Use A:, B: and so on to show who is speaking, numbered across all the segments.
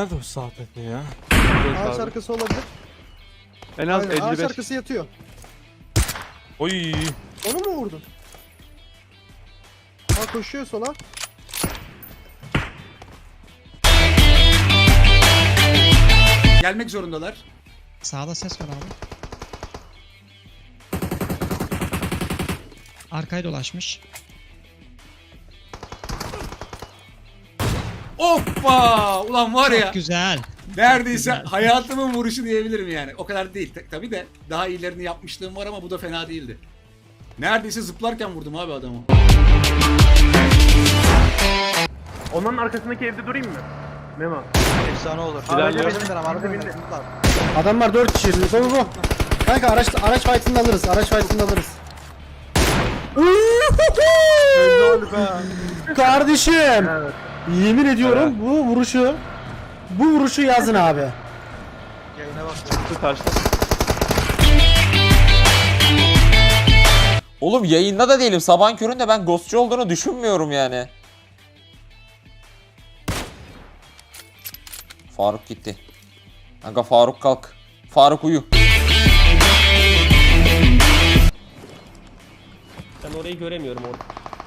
A: Nerede o sağdaki ya?
B: Ağaç arkası olabilir.
C: En az
B: Aynen, ağaç
C: 55.
B: arkası yatıyor.
A: Oy.
B: Onu mu vurdun? Ha koşuyor sola.
D: Gelmek zorundalar.
E: Sağda ses var abi. Arkaya dolaşmış.
D: Hoppa! Ulan var ya.
E: Çok güzel.
D: Neredeyse
E: güzel.
D: hayatımın vuruşu diyebilirim yani. O kadar değil. Tabii de daha iyilerini yapmışlığım var ama bu da fena değildi. Neredeyse zıplarken vurdum abi adamı.
C: Onların arkasındaki evde durayım mı? Memo.
F: Efsane olur.
C: Araca
F: Bindi.
B: Adamlar 4 kişi. Bu. Kanka araç fight'ını alırız. Araç fight'ını alırız. Kardeşim.
C: Evet.
B: Yemin ediyorum bu vuruşu yazın abi.
F: Yayına bak.
C: Çıktı taşta.
G: Oğlum yayında da değilim. Sabahın köründe ben ghostçu olduğunu düşünmüyorum yani. Faruk gitti. Kanka Faruk kalk. Faruk uyu.
H: Ben orayı göremiyorum orada.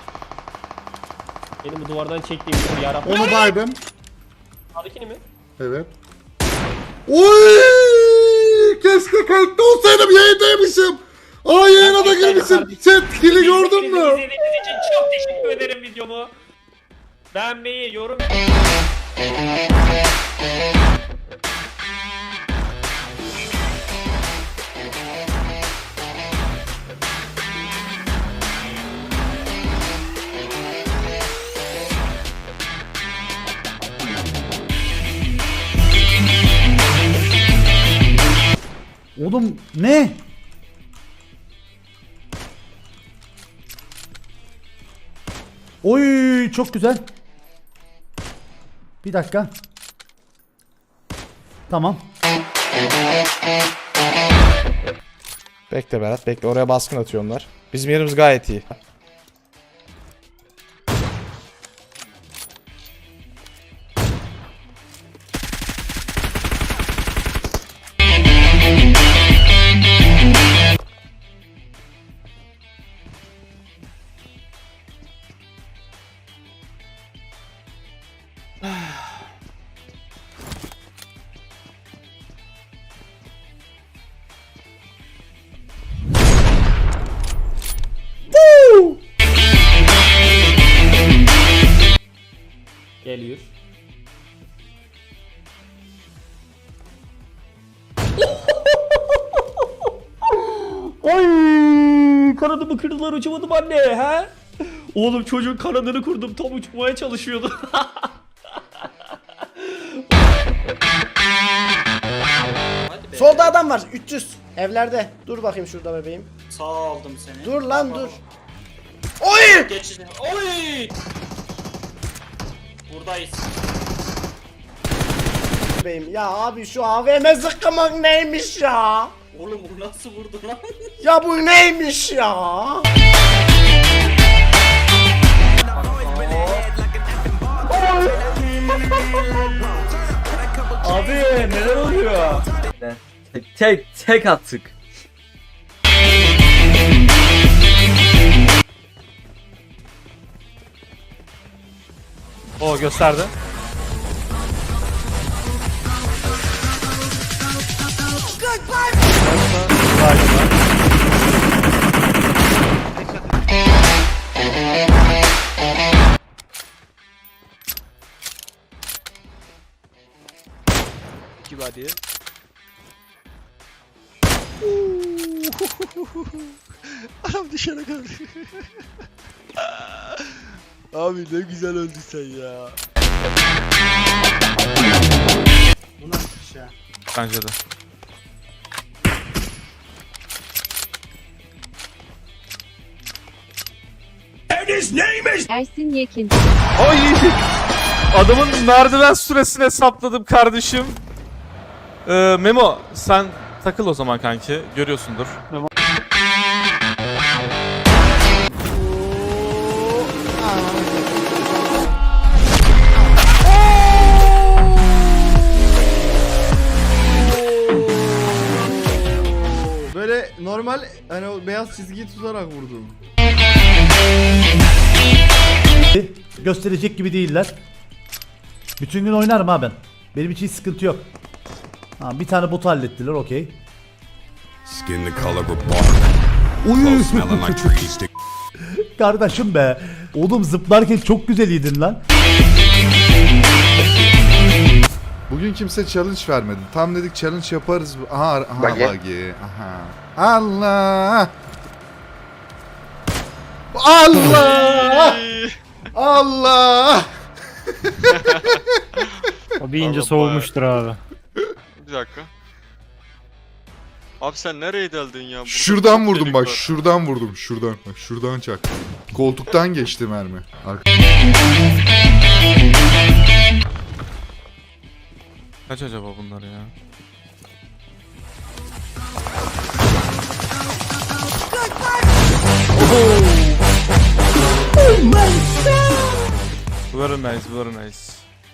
H: Benim bu duvardan çektiğim bir yarabbim.
I: Onu baydım.
H: Sağdakini mi?
I: Evet. Oy! Keşke kayıtta olsaydım, yayındaymışım. Aa, yayına da girmişim. Chat kill'i gördün mü?
H: İzlediğiniz için çok teşekkür ederim videomu. Beğenmeyi, yorum...
B: Oğlum ne? Oy çok güzel. Bir dakika. Tamam.
A: Bekle Berat, bekle. Oraya baskın atıyor onlar. Bizim yerimiz gayet iyi.
H: Geliyor. Ay, kanadımı kırdılar, uçamadım anne, he? Oğlum çocuğun kanadını kurdum, tam uçmaya çalışıyordu.
F: Solda adam var. 300. Evlerde. Dur bakayım şurada bebeğim.
J: Sağ aldım seni.
F: Dur lan dur. Oy!
J: Geçeceğim. Oy! Buradayız.
F: Bebeğim. Ya abi şu AVM zıkkımak neymiş ya?
J: Oğlum bu nasıl vurdu lan?
F: Ya bu neymiş ya?
H: Abi neler oluyor?
G: Tek attık.
A: O gösterdi.
F: Hadi. Anam dışarı kaldı. Abi ne güzel öldün sen ya.
B: Bu nasıl bir şey?
A: Bence de.
K: Ersin Yekin.
A: Ay! Adamın merdiven süresini hesapladım kardeşim. Memo sen takıl o zaman kanki. Görüyorsundur.
I: Ben o beyaz çizgiyi tutarak vurdum.
B: Gösterecek gibi değiller. Bütün gün oynarım ha ben. Benim için hiç sıkıntı yok. Ha, bir tane botu hallettiler, okey.
K: Skin the color of bark. Clothes smelling like trees.
B: Kardeşim be. Oğlum zıplarken çok güzel yedin lan.
I: Bugün kimse challenge vermedi. Tam dedik challenge yaparız. Aha bagi. Aha. Allah. Allah. Allah.
C: O bir ince soğumuştur abi.
L: Bir dakika. Abi sen nereye deldin ya? Burada
I: Şuradan
L: çok
I: vurdum
L: delik
I: bak.
L: var.
I: Şuradan vurdum. Şuradan. Bak şuradan çak. Koltuktan geçti mermi.
L: Kaç acaba bunlar ya? Very nice, very nice.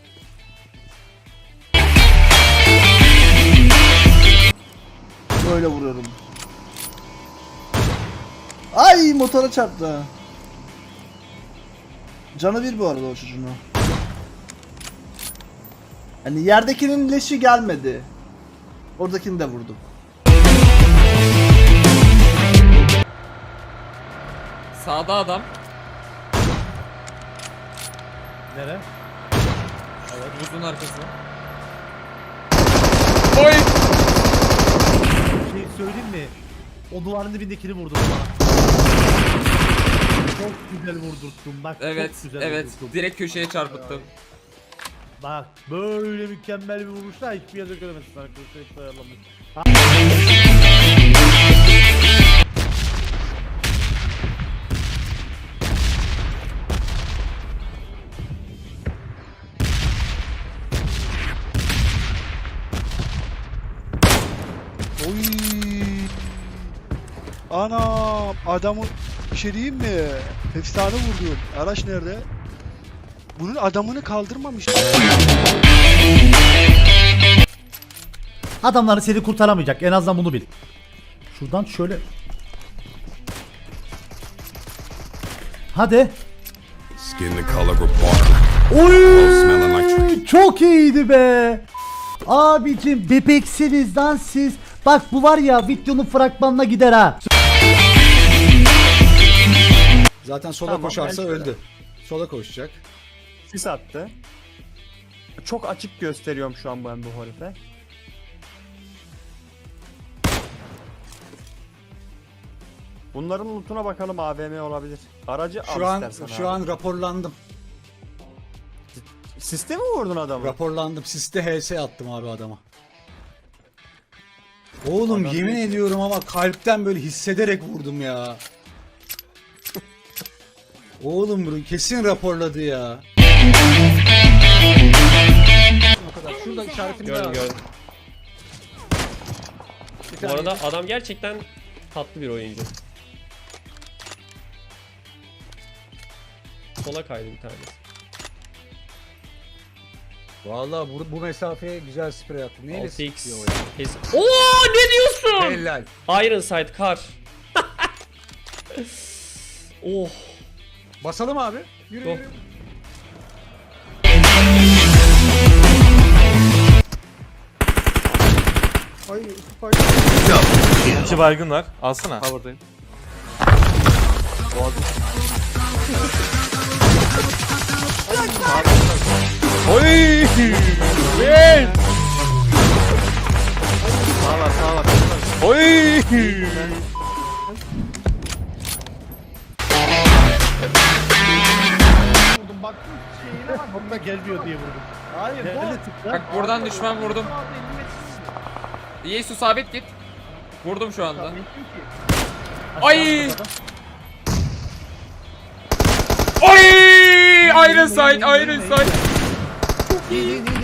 F: Böyle vuruyorum. Ay motora çarptı. Canı bir bu arada o çocuğun o. Hani yerdekinin leşi gelmedi. Oradakini de vurdum.
G: Sağda adam.
B: Nere?
G: Buzun arkası.
B: Bir şey söyleyeyim mi? O duvarın dibindekini vurdum bana. Çok güzel vurdurttum bak.
G: Evet,
B: çok güzel
G: evet.
B: vurdurttum.
G: Direkt köşeye çarpıttım.
B: Bak böyle mükemmel bir vuruşla hiçbir yerde göremezsin arkadaşlar. Hiç ayarlamış.
K: Oy. Ana adamı bir şey diyeyim mi? Efsane vurdum. Araç nerede? Bunun adamını kaldırmamış.
B: Adamları seni kurtaramayacak. En azından bunu bil. Şuradan şöyle. Hadi.
K: Skin the color of bark. Clothes smelling like trees.
B: Oy! Çok iyiydi be. Abicim bebeksiniz lan siz. Bak bu var ya videonun fragmanına gider ha.
D: Zaten sola
C: Tamam,
D: koşarsa
C: belki de.
D: öldü. Sola koşacak.
C: Sis attı. Çok açık gösteriyorum şu an ben bu herife. Bunların lootuna bakalım, AVM olabilir. Aracı
D: Şu
C: al
D: an
C: istersen
D: şu
C: abi.
D: an raporlandım.
C: Siste mi vurdun adamı?
D: Raporlandım. Siste HS attım abi adama. Oğlum yemin ediyorum ama kalpten böyle hissederek vurdum ya. Oğlum bunu kesin raporladı ya. Şurada işaretini
C: Gördüm gördüm. Bu arada adam gerçekten tatlı bir oyuncu. Sola kaydı bir tanesi.
D: Vallahi bu mesafeye güzel sprey attı. Neyle
C: 6x.
D: sıkıyor o ya?
C: Oo ne diyorsun?
D: Helal.
C: Ironside kar. Oh.
D: Basalım abi. Yürü
C: Go.
D: yürü. Ay,
L: İki baygın var. Alsana.
C: Power'dayım.
L: Oy! Hey! Sağ var. Oy!
B: Bunda gelmiyor diye vurdum. Hayır
G: Bak buradan düşman vurdum. Yesu sabit git. Vurdum şu anda. Ay! Oy! Iron sight, Iron sight.
B: İyi.